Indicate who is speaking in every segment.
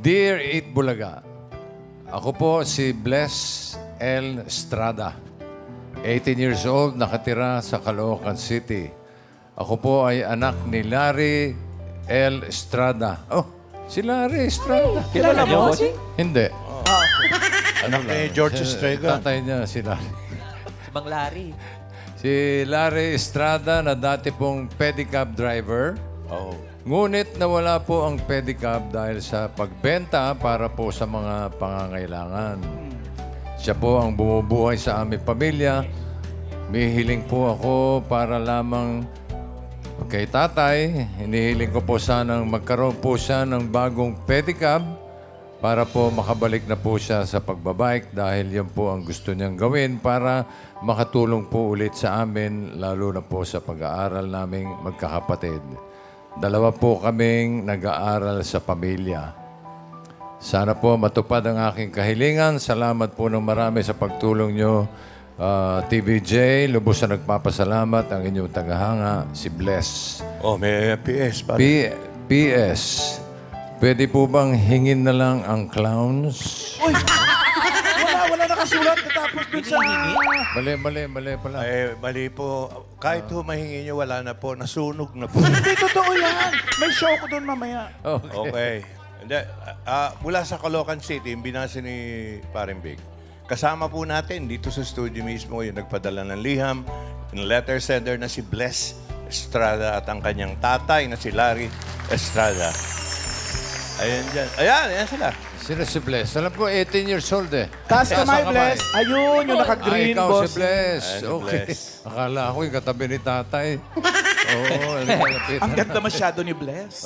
Speaker 1: Dear Eat Bulaga, ako po si Bless L. Estrada. 18 years old, nakatira sa Caloocan City. Ako po ay anak ni Larry L. Estrada. Oh, si Larry Estrada.
Speaker 2: Kilala mo?
Speaker 1: Hindi.
Speaker 3: Anak ni George Estrada.
Speaker 1: Tatay niya si Larry.
Speaker 2: Si Bang Larry.
Speaker 1: Si Larry Estrada na dati pong pedicab driver.
Speaker 3: Oh.
Speaker 1: Ngunit nawala po ang pedicab dahil sa pagbenta para po sa mga pangangailangan. Siya po ang bumubuhay sa aming pamilya. May hiling po ako para lamang kay tatay. Hinihiling ko po sanang magkaroon po siya ng bagong pedicab para po makabalik na po siya sa pagbabike dahil yan po ang gusto niyang gawin para makatulong po ulit sa amin, lalo na po sa pag-aaral naming magkakapatid. Dalawa po kaming nag-aaral sa pamilya. Sana po matupad ang aking kahilingan. Salamat po ng marami sa pagtulong nyo. TVJ, lubos na nagpapasalamat ang inyong tagahanga, si Bless.
Speaker 3: Oh, may PS pa.
Speaker 1: PS, pwede po bang hingin na lang ang clowns?
Speaker 4: Wala nakasulat natapos dun sa...
Speaker 1: Mali pala.
Speaker 3: Ay, mali po. Kahit humahingi nyo, wala na po. Nasunog na po.
Speaker 4: Hindi, totoo yan. May show ko dun mamaya.
Speaker 3: Okay. Hindi, mula sa Caloocan City, yung binasa ni Paring Big. Kasama po natin dito sa studio mismo yung nagpadala ng liham, yung letter sender na si Bless Estrada at ang kanyang tatay na si Larry Estrada. Ayan dyan. Ayan sila.
Speaker 1: Sino si Bless? Alam ko, 18 years old eh.
Speaker 4: Taas
Speaker 1: Taas
Speaker 4: kamay,
Speaker 1: ang
Speaker 4: Bless. Ayun, yung naka-green,
Speaker 1: ikaw
Speaker 4: boss.
Speaker 1: si Bless.
Speaker 3: Ayan si
Speaker 1: Okay.
Speaker 3: Bless.
Speaker 1: Akala ko yung katabi ni tatay. Oo, lapit.
Speaker 4: Ang ganda masyado ni Bless.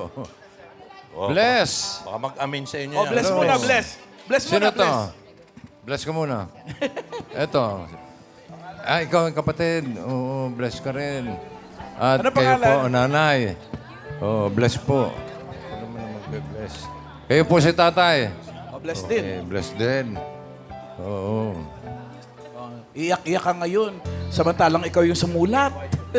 Speaker 3: Oh,
Speaker 1: Bless!
Speaker 3: Baka mag-amin sa inyo
Speaker 4: Oh,
Speaker 3: yan.
Speaker 4: bless
Speaker 1: Hello.
Speaker 4: muna, Bless. Bless
Speaker 1: Sino
Speaker 4: muna,
Speaker 1: to?
Speaker 4: Bless.
Speaker 1: Bless ka muna. Eto. Ikaw ang kapatid. Oo, bless ka rin. At
Speaker 4: Ano
Speaker 1: kayo
Speaker 4: pangalan?
Speaker 1: po, nanay. Oo, bless po. Ano mo na magbe-bless? Kayo po si tatay.
Speaker 4: Oh, Bless din.
Speaker 1: Eh, bless din. Oo.
Speaker 4: Oh, iyak-iyak ka ngayon. Samantalang ikaw yung sumulat.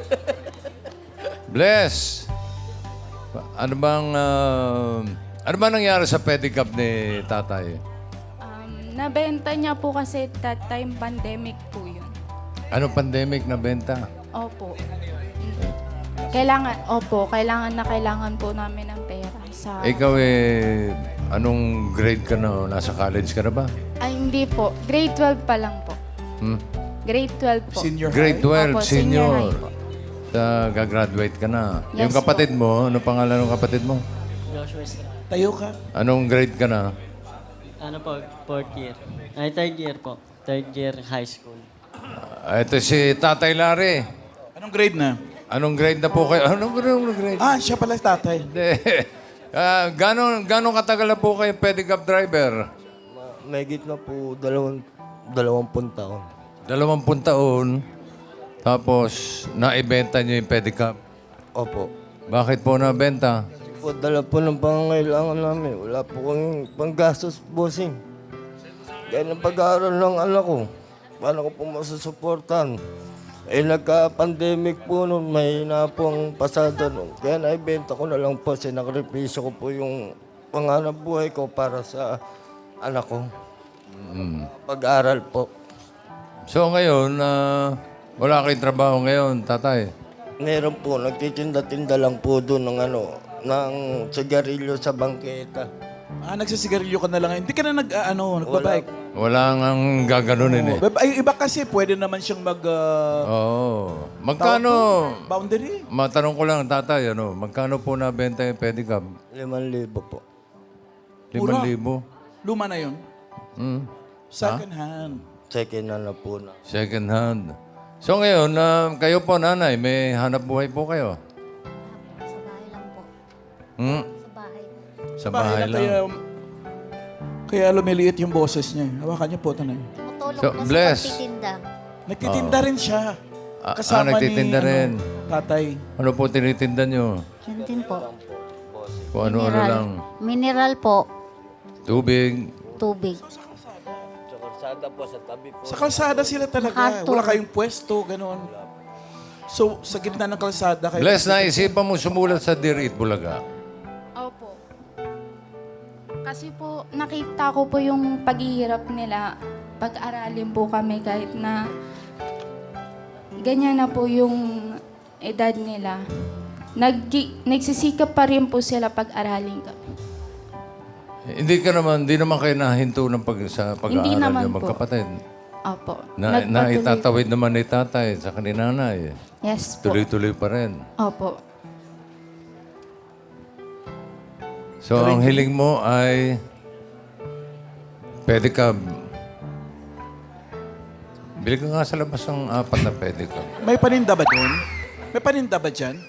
Speaker 1: Bless! Ano bang nangyari sa pedicab ni tatay?
Speaker 5: Nabenta niya po kasi that time pandemic po yun.
Speaker 1: Anong pandemic na benta?
Speaker 5: Opo. Kailangan po namin ng pera sa...
Speaker 1: Ikaw anong grade ka na? Nasa college ka na ba?
Speaker 5: Ay, hindi po. Grade 12 pa lang po.
Speaker 1: Hmm?
Speaker 5: Grade 12 po.
Speaker 4: Senior
Speaker 1: Grade
Speaker 4: high.
Speaker 1: 12,
Speaker 5: Opo,
Speaker 1: senior.
Speaker 5: senior high po.
Speaker 1: Gagraduate ka na.
Speaker 5: Yes
Speaker 1: Yung kapatid mo, ano pangalan ng kapatid mo?
Speaker 6: Joshua Estrada.
Speaker 4: Tayo ka.
Speaker 1: Anong grade ka na?
Speaker 6: Ano po, fourth year. Ay, third year po. Third year high school.
Speaker 1: Ito si Tatay Larry.
Speaker 4: Anong grade na?
Speaker 1: Anong grade na po kayo? Anong grade?
Speaker 4: Ah, siya pala tatay.
Speaker 1: Hindi. Gano'ng katagal na po kayo pedicab driver?
Speaker 7: Mahigit na po 20 taon.
Speaker 1: 20 taon. Tapos, naibenta niyo yung pedicab.
Speaker 7: Opo.
Speaker 1: Bakit po nabenta?
Speaker 7: Po, dala po ng pangangailangan namin. Wala po kami panggastos, bossing. Kaya ng pag-aaral ng anak ko, paano ko po masusuportan? Eh, nagka-pandemic po nun, mahina po ang pasada nun. Kaya naibenta ko na lang po, sinakripisyo ko po yung panganap buhay ko para sa anak ko. Pag-aaral po.
Speaker 1: So ngayon, wala kayong trabaho ngayon, tatay.
Speaker 7: Meron po, nagtitinda-tinda lang po doon ng sigarilyo sa bangketa.
Speaker 4: Ah, nagsisigarilyo ka na lang. Hindi ka na nagbabike.
Speaker 1: Wala nang gaganunin eh.
Speaker 4: Ay, iba kasi, pwede naman siyang
Speaker 1: Oo. Magkano?
Speaker 4: boundary.
Speaker 1: Matanong ko lang, tatay, magkano po nabenta yung pedicab?
Speaker 7: 5,000 po.
Speaker 1: 5,000?
Speaker 4: Luma na yun.
Speaker 1: Hmm.
Speaker 4: Second hand.
Speaker 7: Second na po na.
Speaker 1: Second hand. So ngayon, kayo po, nanay, may hanap buhay po kayo?
Speaker 8: Sa bahay lang po.
Speaker 1: Hmm?
Speaker 8: Sa bahay.
Speaker 1: Sa bahay lang.
Speaker 4: Kaya lumiliit yung boses niya. Hawakan niyo po, tanay.
Speaker 8: Tumutulong
Speaker 1: So,
Speaker 8: po
Speaker 1: bless.
Speaker 8: sa pagtitinda.
Speaker 4: Nagtitinda rin siya.
Speaker 1: Nagtitinda rin.
Speaker 4: Tatay.
Speaker 1: Ano po tinitinda nyo?
Speaker 8: Yan din po.
Speaker 1: Kung ano-ano lang.
Speaker 8: Mineral po.
Speaker 1: Tubig.
Speaker 8: Tubig.
Speaker 7: Sa kalsada po, sa tabi po.
Speaker 4: Sa kalsada sila talaga.
Speaker 8: Makarto.
Speaker 4: Wala kayong pwesto, gano'n. So, sa gitna ng kalsada kayo.
Speaker 1: Bless, naisipan mo sumulat sa Dear Eat Bulaga.
Speaker 5: Opo. Kasi po, nakita ko po yung paghihirap nila. Pag-aralin po kami kahit na ganyan na po yung edad nila. Nagsisikap pa rin po sila pag-aralin kami.
Speaker 1: Hindi naman kayo nahinto ng sa
Speaker 5: Hindi
Speaker 1: pag-aaral
Speaker 5: naman
Speaker 1: yung
Speaker 5: po.
Speaker 1: magkapatid.
Speaker 5: Opo.
Speaker 1: Na
Speaker 5: Nagpatuloy-
Speaker 1: itatawid naman ni tatay sa kaninanay.
Speaker 5: Yes po.
Speaker 1: Tuloy-tuloy pa rin.
Speaker 5: Opo.
Speaker 1: So, ang hiling mo ay pedicab. Bili ka nga sa labas ng 4 na pedicab.
Speaker 4: May paninda ba doon? May paninda ba dyan?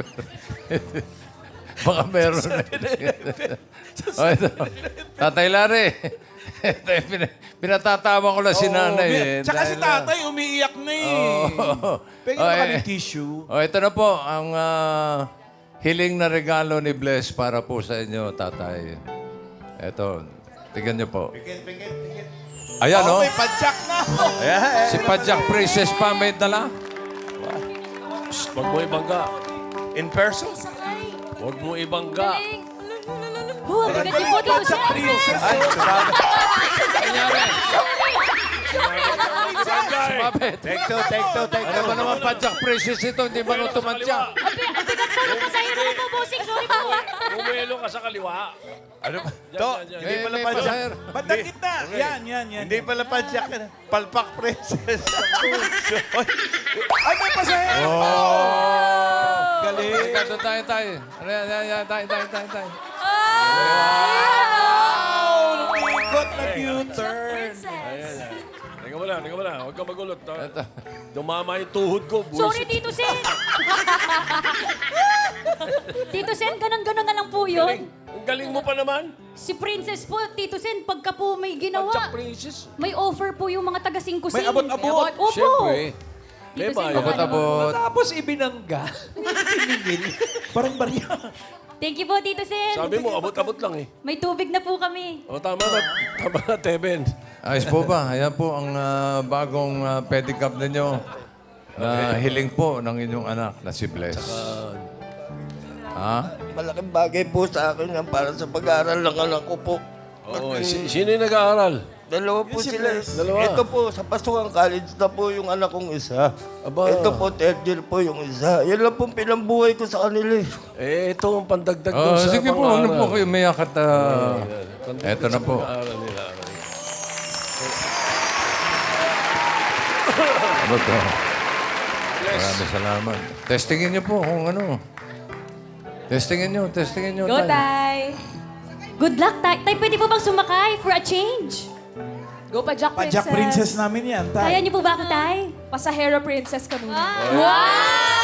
Speaker 1: Baka meron na. Oh, ito. Tatay Larry. Ito, pinatatawa ko lang si nanay. Eh,
Speaker 4: Tsaka si
Speaker 1: dahil,
Speaker 4: tatay, umiiyak na eh. Pwede
Speaker 1: Oh,
Speaker 4: na
Speaker 1: eh.
Speaker 4: ng tissue.
Speaker 1: Oh, ito na po ang hiling na regalo ni Bless para po sa inyo, tatay. Ito, tignan niyo po. Ayan, oh.
Speaker 4: May padyak na.
Speaker 1: Si Padjak Princess pa may dala.
Speaker 2: Huwag mo ibangga.
Speaker 3: In person?
Speaker 2: Huwag mo ibangga.
Speaker 9: Oh, bigat yung body ko, sir.
Speaker 3: Ay,
Speaker 1: Mabit.
Speaker 3: take two.
Speaker 1: Ano ba naman Padjak Princess ito? Hindi ba nung tumantya?
Speaker 9: Ang bigat po ng pasahero na po, bossing. Sorry po.
Speaker 2: Bumelo ka sa kaliwa.
Speaker 3: Ano ba? To, hindi pala
Speaker 1: May
Speaker 3: padyak.
Speaker 1: pasahero.
Speaker 4: Bandang gitna. Yan.
Speaker 3: Hindi pala padyak. Palpak princess.
Speaker 4: Ay, may pasahero. Galing.
Speaker 1: Teka, doon tayo. Ano yan, tayo.
Speaker 4: Ikot na U-turn.
Speaker 2: Teka mo lang. Huwag ka magulot.
Speaker 1: Ito.
Speaker 2: Dumama yung tuhod ko.
Speaker 9: Sorry, Tito Sen. Tito Sen, ganun-ganun na lang po yun.
Speaker 2: Ang galing mo pa naman.
Speaker 9: Si Princess po, Tito Sen, pagka po may
Speaker 2: Jack
Speaker 9: ginawa,
Speaker 2: Princess.
Speaker 9: may offer po yung mga taga-singkusin.
Speaker 4: May abot-abot.
Speaker 9: Opo.
Speaker 2: Siyempre.
Speaker 9: Tito
Speaker 2: Diba,
Speaker 9: Sen,
Speaker 2: yun?
Speaker 1: Abot-abot.
Speaker 4: Tapos ibinangga. Parang barya.
Speaker 9: Thank you po, Tito Sen.
Speaker 2: Sabi mo, abot-abot lang eh.
Speaker 9: May tubig na po kami.
Speaker 2: O, tama na, Teben.
Speaker 1: Ayos po ba? Ayan po ang bagong pedicab ninyo. Na hiling po ng inyong anak na si Bless. Ha?
Speaker 7: Malaking bagay po sa akin yan para sa pag-aaral ng anak ko po.
Speaker 2: Oo, sino yung nag-aaral?
Speaker 7: Dalawa po
Speaker 4: si
Speaker 7: sila.
Speaker 4: Bless.
Speaker 2: Dalawa.
Speaker 7: Ito po, sa Pasukan College na po yung anak kong isa.
Speaker 2: Aba.
Speaker 7: Ito po, third year po yung isa. Yan lang pong pinambuhay ko sa kanila eh.
Speaker 2: Ito ang pandagdag
Speaker 1: Oh,
Speaker 2: dun sa
Speaker 1: sige po, ano po kayo umiyak at... eto na po.
Speaker 2: Pag-aaral nila.
Speaker 1: Ano to? Maraming salamat. Testingin niyo po kung ano. Testingin niyo.
Speaker 9: Go,
Speaker 1: tay.
Speaker 9: Tay. Good luck, Tay. Tay, pwede po bang sumakay for a change?
Speaker 10: Go pa, Jack Princess.
Speaker 4: Padyak princess namin yan,
Speaker 9: Kaya
Speaker 4: tay.
Speaker 9: niyo po ba ako, Tay?
Speaker 10: Pasahero princess ka muna.
Speaker 9: Wow!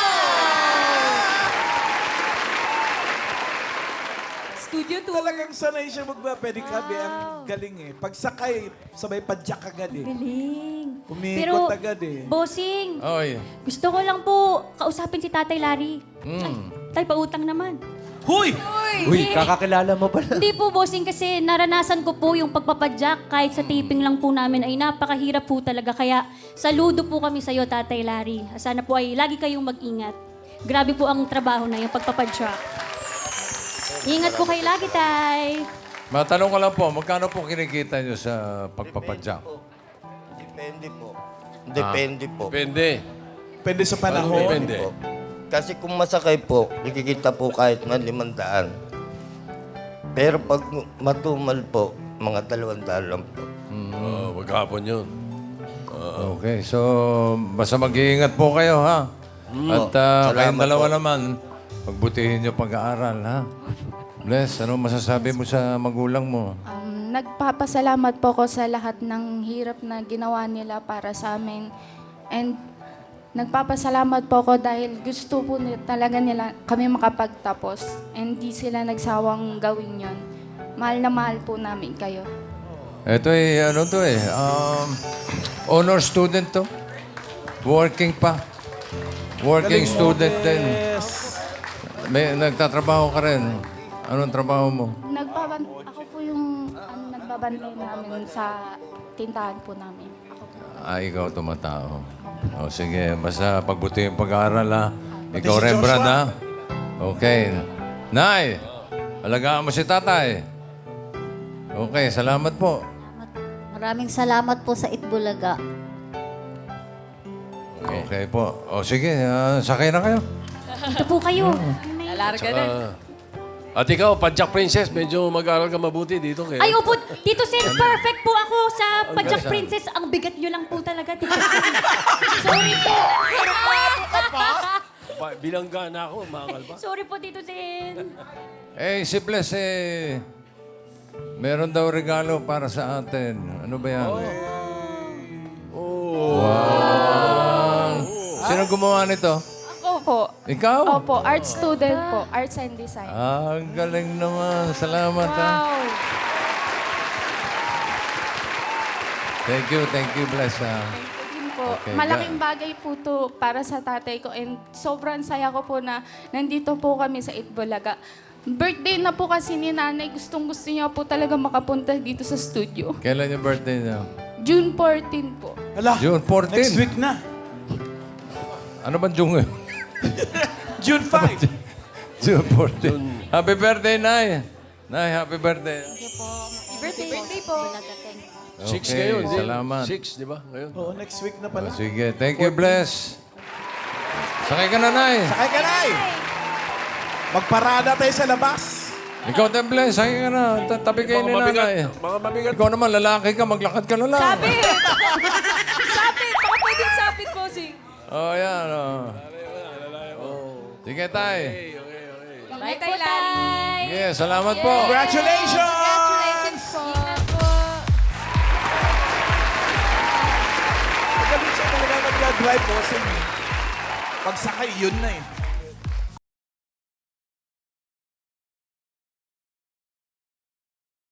Speaker 10: Studio tour.
Speaker 4: Talagang sanay siya magpa-pedicab eh. Ang galing eh. Pagsakay, sabay padyak agad eh.
Speaker 9: Galing.
Speaker 4: Umikot agad eh.
Speaker 9: Bossing,
Speaker 1: Oy.
Speaker 9: gusto ko lang po kausapin si Tatay Larry. Tay, pautang naman.
Speaker 4: Huy!
Speaker 9: Uy,
Speaker 4: Kakakilala mo pala.
Speaker 9: Hindi po, bossing, kasi naranasan ko po yung pagpapadyak. Kahit sa taping lang po namin ay napakahirap po talaga. Kaya saludo po kami sa'yo, Tatay Larry. Sana po ay lagi kayong mag-ingat. Grabe po ang trabaho na yung pagpapadyak. Ingat po kayo lagi, Tay.
Speaker 1: Matanong ko lang po, magkano po kinikita niyo sa pagpapadyak?
Speaker 7: Depende po. Depende po.
Speaker 2: Depende.
Speaker 4: Depende sa panahon.
Speaker 2: Depende.
Speaker 7: Po. Kasi kung masakay po, ikikita po kahit man 500. Pero pag matumal po, mga 200 lang po.
Speaker 2: Wag hapon yun.
Speaker 1: Okay, so basta mag-iingat po kayo, ha? At
Speaker 7: Salamat
Speaker 1: kayong dalawa
Speaker 7: po.
Speaker 1: naman, pagbutihin niyo pag-aaral, ha? Bless, ano masasabi mo sa magulang mo?
Speaker 5: Nagpapasalamat po ko sa lahat ng hirap na ginawa nila para sa amin. And nagpapasalamat po ko dahil gusto po talaga nila kami makapagtapos. And di sila nagsawang gawin yon. Mahal na mahal po namin kayo.
Speaker 1: Ito ano to honor student to. Working pa. Working student din.
Speaker 4: Yes.
Speaker 1: May nagtatrabaho ka rin. Anong trabaho mo?
Speaker 5: Ako po yung nagbabantay namin sa tindahan po namin. Ako po.
Speaker 1: Ikaw tumatao. O sige, basta pagbutihin pag-aaral, ha? Ikaw,
Speaker 4: si
Speaker 1: Rembrandt,
Speaker 4: Joshua.
Speaker 1: ha? Okay. Nay, alagaan mo si tatay. Okay, salamat po.
Speaker 8: Maraming salamat po sa Itbulaga.
Speaker 1: Okay po. O sige, sakay na kayo.
Speaker 9: Dito po kayo.
Speaker 10: Lalarga na.
Speaker 2: At ikaw, Padjak Princess, medyo mag-aral ka mabuti dito. Kaya.
Speaker 9: Ay, opo, Tito Sen, perfect po ako sa Padjak Princess. Ang bigat nyo lang po talaga, Tito Sen. Sorry po.
Speaker 2: Bilangga na ako, makakal pa.
Speaker 9: Sorry po, Tito Sen.
Speaker 1: Si Bless, meron daw regalo para sa atin. Ano ba yan? Wow! Sino gumawa nito?
Speaker 5: Ako po.
Speaker 1: Ikaw?
Speaker 5: Opo, art student po. Arts and Design.
Speaker 1: Ang galing naman. Salamat, ha?
Speaker 5: Wow.
Speaker 1: Thank you, Bless, ha?
Speaker 5: Thank you din po.
Speaker 1: Okay,
Speaker 5: Malaking bagay po to para sa tatay ko and sobrang saya ko po na nandito po kami sa Itbulaga. Birthday na po kasi ni nanay. Gustong-gusto niya po talaga makapunta dito sa studio.
Speaker 1: Kailan yung birthday niya?
Speaker 5: June 14 po.
Speaker 4: Hala,
Speaker 1: June 14.
Speaker 4: next week na.
Speaker 1: Ano ba June?
Speaker 4: June 5.
Speaker 1: June 14. Happy birthday, Nay. Nay, happy birthday.
Speaker 8: Thank you po.
Speaker 10: Birthday po.
Speaker 8: Itbulaga, thank you.
Speaker 2: 6 ngayon, di?
Speaker 1: Salamat.
Speaker 2: 6, di ba? Ngayon.
Speaker 4: Oo, next week na pala.
Speaker 1: Sige, thank you, Bless. Sakay ka na, Nay.
Speaker 4: Sakay ka na Magparada tayo sa labas.
Speaker 1: Ikaw din, Bless. Sakay ka na. Tabi kayo ni Nanay.
Speaker 2: Mga mabigat.
Speaker 1: Ikaw naman, lalaki ka. Maglakad ka na lang.
Speaker 10: Sapit! Sapit! Baka pwedeng sapit, bossing.
Speaker 1: Oh, yan. Oh. Sige, Tay.
Speaker 10: Bye, Tay Larry.
Speaker 1: Sige, salamat po.
Speaker 4: Congratulations!
Speaker 10: Congratulations po. Ingat po.
Speaker 4: Magaling siya talaga mag-drive, bossing. Pagsakay, yun na eh.